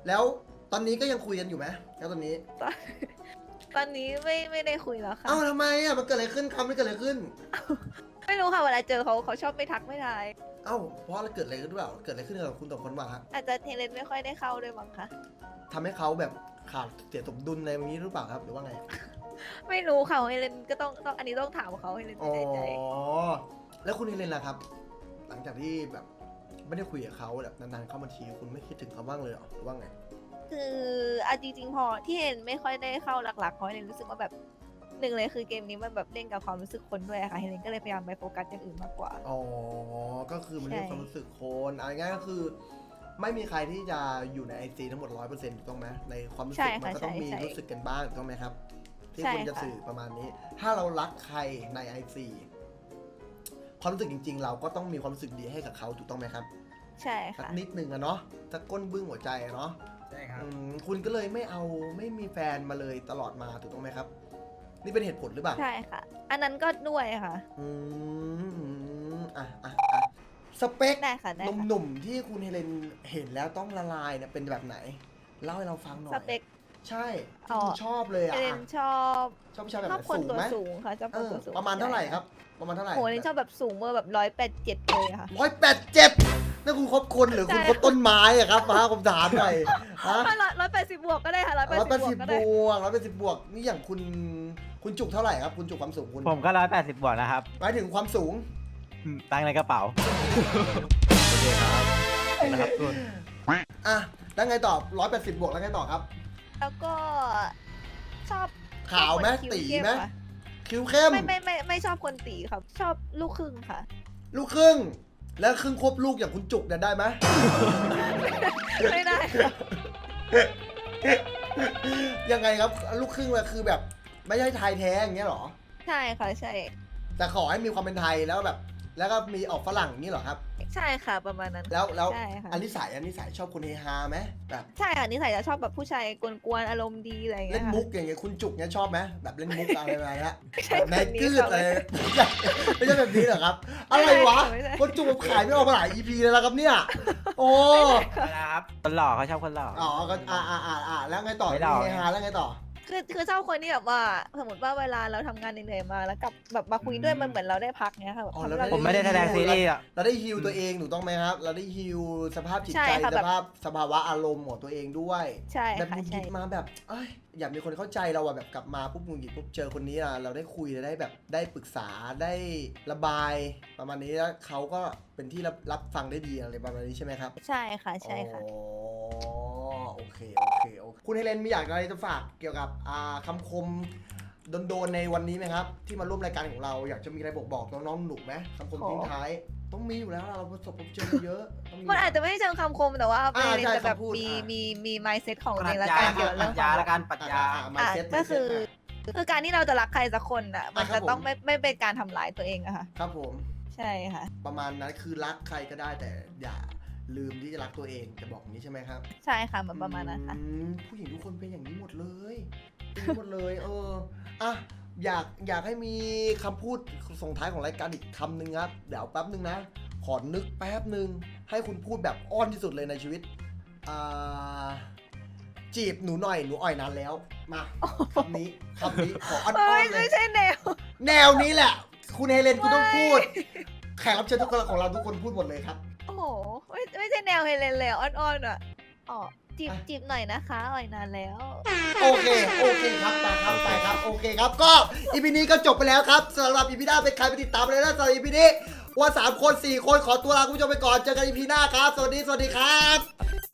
S1: แล้วตอนนี้ก็ยังคุยกันอยู่ไหมแล้วตอนนี้
S2: ตอนตอนนี้ไม่ไม่ได้คุยแล้วค่ะ
S1: เอ้าทำไมอ่ะมันเกิดอะไรขึ้นคำไม่เกิดอะไรขึ้น
S2: ไม่รู้ค่ะเวลาเจอเขาเขาชอบไม่ทักไม่ทาย
S1: เอ้าเพราะอะไรเกิดอะไรขึ้นหรือเปล่าเกิดอะไรขึ้นกับคุณสองคนบ้างฮะ
S2: อาจจะเทเลนไม่ค่อยได้เข้าด้วยมั้งคะ
S1: ทำให้เขาแบบขาดเสียสมดุลในวันนี้หรือเปล่าครับหรือว่าไง
S2: ไม่รู้ค่ะเฮเลนก็ต้องต้องอันนี้ต้องถามเขาเฮเลน
S1: อ๋
S2: ไม่
S1: อ
S2: แน่ใจ
S1: แล้วคุณเฮเลนล่ะครับ หลังจากที่แบบไม่ได้คุยกับเขาแบบนานๆเข้ามาทีคุณไม่คิดถึงเขาบ้างเลยเหรอหรือว่าไง
S2: คือเอาจริงๆพอที่เฮเลนไม่ค่อยได้เข้าหลักๆเพราะเฮเลนรู้สึกว่าแบบหนึ่งเลยคือเกมนี้มันแบบเล่นกับความรู้สึกคนด้วยอะค่ะเฮเลนก็เลยพยายามไปโฟกัสอย่างอื่นมากกว่า
S1: อ๋อ ก็คือมันเรื่อง
S2: ใช่
S1: ความรู้สึกคนเอาง่ายๆก็คือ ไม่มีใครที่จะอยู่ในไอซีทั้งหมดร้อยเปอร์เซ็นต์ถูกต้องไหมในความรู้สึกมันก็ต้องมีรู้สึกกันบ้างถูกต้องไหมครับ ที่คุณจะสื่อประมาณนี้ ถ้าเรารักใครในไอซีความรู้สึกจริง ๆ เราก็ต้องมีความรู้สึกดีให้กับเขาถูกต้องไหมครับ
S2: ใช่
S1: สัก
S2: ค่ะ
S1: นิดหนึ่งอะเนาะสักก้นบึ้งหัวใจอะเนาะ
S4: ใช่ครับ
S1: อืมคุณก็เลยไม่เอาไม่มีแฟนมาเลยตลอดมาถูกต้องไหมครับ นี่เป็นเหตุผลหรือเปล่า
S2: ใช่ค่ะ อันนั้นก็ด้วยค่ะ
S1: อืมอืมอ่ะอ่ะอ่ะสเปค
S2: ได้ค่ะได้ค่ะ
S1: หนุ่มๆที่คุณเฮเลนเห็นแล้วต้องละลายเนี่ยเป็นแบบไหน เล่าให้เราฟังหน่อย
S2: สเปค
S1: ใช่
S2: อ๋
S1: ที่
S2: อ
S1: คุณชอบเลย
S2: เฮ
S1: อ่ะ
S2: เลนชอบ
S1: ชอบผู้ชายแบบ
S2: ช
S1: ไห
S2: อบ
S1: น
S2: คน
S1: สูง
S2: ตัว
S1: ไหม
S2: สูงค่ะชอบ
S1: เอ
S2: คน
S1: อ
S2: ตัวสูง
S1: ประมาณเท่าไหร่ครับ ประมาณเท่าไหร่
S2: โหเฮเลนชอบแบบสูงเมื่อแบบร้อยแปดเจ็ดเลยอะค่ะ
S1: ร้อยแปดเจ็ดนั่นคุณคบคนหรือคุณ
S2: ใช่
S1: คบต้นไม้อะครับมาผมถามหน่อยฮะ
S2: ร้อยร้อยแปดสิบบวกก็ได้ค่ะร้อยแปด
S1: ร้อยแปด
S2: สิ
S1: สิ
S2: บบ วกก็
S1: บ
S2: ได้
S1: วกร้อยแปดสิบบวกนี่อย่างคุณคุณจุกเท่าไหร่ครับ คุณจุกความสูงคุณ
S3: ผมก็ร้อยแปดสิบบวกนะครับ
S1: หมายถึงความสูง
S3: อืมตังค์ในกระเป๋า
S6: โอเคครับนะครับทุน
S1: อ่ะแล้วไงต่อร้อยแปดสิบบวกแล้วไงต่อครับ
S2: แล้วก็ชอบ
S1: ขาวไหม
S2: ชอบคนคิ้
S1: ตี
S2: เข้
S1: ไหม
S2: ค่ะ
S1: คิ้วเข้ม
S2: ไม่ไม่ไม่ไม่ชอบคนตีครับ ชอบลูกครึ่งค่ะ
S1: ลูกครึ่ง แล้วครึ่งควบลูกอย่างคุณจุกเนี่ยได้ไหม
S2: ไม่ได้ค่ะ
S1: ยังไงครับ ลูกครึ่งเลยคือแบบ ไม่ใช่ไทยแท้อย่างเงี้ยเหรอ
S2: ใช่ค่ะใช่
S1: แต่ขอให้มีความเป็นไทยแล้วแบบ แล้วก็มีออกฝรั่งอย่างนี้เหรอครับ
S2: ใช่ค่ะประมาณนั้น
S1: แล้วแล้ว
S2: ใช่ค่ะ
S1: อันนิสัยอันนิสัยชอบคนเฮฮาไหมแบบ
S2: ใช่ค่ะนิสัยจะชอบแบบผู้ชายกวนๆอารมณ์ดีอะไรอย่าง
S1: เล่
S2: เงี้
S1: น
S2: ยค่ะ
S1: มุกอย่างเงี้ยคุณจุกเนี่ยชอบไหมแบบเล่นมุกอะไรแบบนี้
S2: ไม่ใช่
S1: แบบใน
S2: แบบนี้
S1: กืด
S2: ค่ะ
S1: อะไรไม่ใช่แบบนี้เหรอครับ อะไรวะ
S2: ไม่ใช่
S1: คนจุกผมขายไม่ออกมาหลาย อี พี เลยแล้วครับเนี่ย โอ้
S3: นะครับคนหล่อเขาชอบคนหล่อ
S1: อ๋อก็อ่าอ่าอ่าอ่าแล้วไงต่อ
S3: ไม่เล่า
S1: เฮฮาแล้วไงต่อ
S2: คือคือชอบคนที่แบบว่าสมมติว่าเวลาเราทำงานเหนื่อยๆมาแล้วกลับแบบมาคุยด้วยมันเหมือนเราได้พักเนี้ยค่ะแบบ
S1: อ๋อ
S2: ทำ
S1: แล้ว
S2: ให้เรา
S3: ผมไม่ได้แสดงซีรีส์อ่ะ
S1: เราได้ฮิลตัวเองถูกต้องไหมครับ เราได้ฮิลสภาพจิต
S2: ใช่
S1: ใจ
S2: ค่ะ
S1: ส
S2: แบบ
S1: ภาพสภาวะอารมณ์ของตัวเองด้วย
S2: ใช่
S1: แบบห
S2: ค่ะ
S1: งุดห
S2: ใช่
S1: งิดมาแบบเอ้ยอยากมีคนเข้าใจเราอะแบบกลับมาปุ๊บหงุดหงิดปุ๊บเจอคนนี้อะเราได้คุยได้แบบได้ปรึกษาได้ระบาย ประมาณนี้แล้วเขาก็เป็นที่รับรับฟังได้ดีอะไรประมาณนี้ใช่ไหมครับ
S2: ใช่ค่ะใช่ค่ะ
S1: อ๋อโอเคโอเคโอเคคุณเฮเลนมีอยากอะไรจะฝากเกี่ยวกับอ่าคำคมโดนๆในวันนี้ไหมครับ ที่มาร่วมรายการของเราอยากจะมีอะไรบอกบอกน้องๆหนุกไหมคำคม
S2: โอ้
S1: ทิ้งท้าย ต้องมีอยู่แล้วเราประสบพบเจอมาเยอะต้องมี
S2: มันอาจจะไม่ได้เชิงคำคมแต่ว่า
S1: อ่า
S2: เป็น
S1: ใช่
S2: จะแบบ
S1: คำพูด
S2: มี
S1: อ่ามี
S2: มีมี mindset ของ
S3: ป
S2: ตัว
S3: รั
S2: เอ
S3: ช
S2: งละ
S3: ญา
S2: กันเกี่ยวกับ
S3: ป
S2: เรื่
S3: รั
S2: อง
S3: ช
S2: ข
S3: ญา
S2: อง
S3: ละกันปรัชญา
S1: อ่า
S2: อ่ะ
S1: mindset
S2: ก็คือ
S1: mindset
S2: คือการที่เราจะรักใครสักคนอ่ะ มัน
S1: อ่ะครั
S2: จะ
S1: บผม
S2: ต้องไม่ไม่เป็นการทำร้ายตัวเองอะค่ะ
S1: ครับผม
S2: ใช่ค่ะ
S1: ประมาณนั้นคือรักใครก็ได้แต่อย่าลืมที่จะรักตัวเองจะบอกอย่างนี้ใช่ไหมครับ
S2: ใช่ค่ะมันประมาณนั้นค่ะ
S1: อืมผู้หญิงทุกคนเป็นอย่างนี้หมดเลยเป็นอย่างนี้หมดเลย เอออ่ะอยากอยากให้มีคำพูดส่งท้ายของรายการอีกคำหนึ่งครับ เดี๋ยวแป๊บหนึ่งนะ ขอนึกแป๊บหนึ่งให้คุณพูดแบบอ้อนที่สุดเลยในชีวิตอ่าจีบหนูหน่อยหนูอ่อยนานแล้ว มาคำนี้คำนี้ขออ้อน
S2: เอ้ย
S1: ๆเล
S2: ไม่
S1: ย
S2: ใช่แนว
S1: แนวนี้แหละ คุณเฮเลนคุณต้องพูด แขกรับเชิญทุกคนของเราทุกคนพูดหมดเลยครับ
S2: โอ้โหไม่ไม่ใช่แนวเฮเลนเลยอ่ะอ่อนๆอ่ะอ๋อจีบ
S1: อ่ะ
S2: จีบหน่อยนะคะอ่อยนานแล้ว
S1: โอเค โอเคครับไปครับไปครับ โอเคครับ ก็อีพีนี้ก็จบไปแล้วครับสำหรับอีพีหน้าเป็นใครไปติดตามเลยนะสำหรับอีพีนี้ว่าสามคนสี่คนขอตัวลาคุณผู้ชมไปก่อน เจอกันอีพีหน้าครับ สวัสดี สวัสดีครับ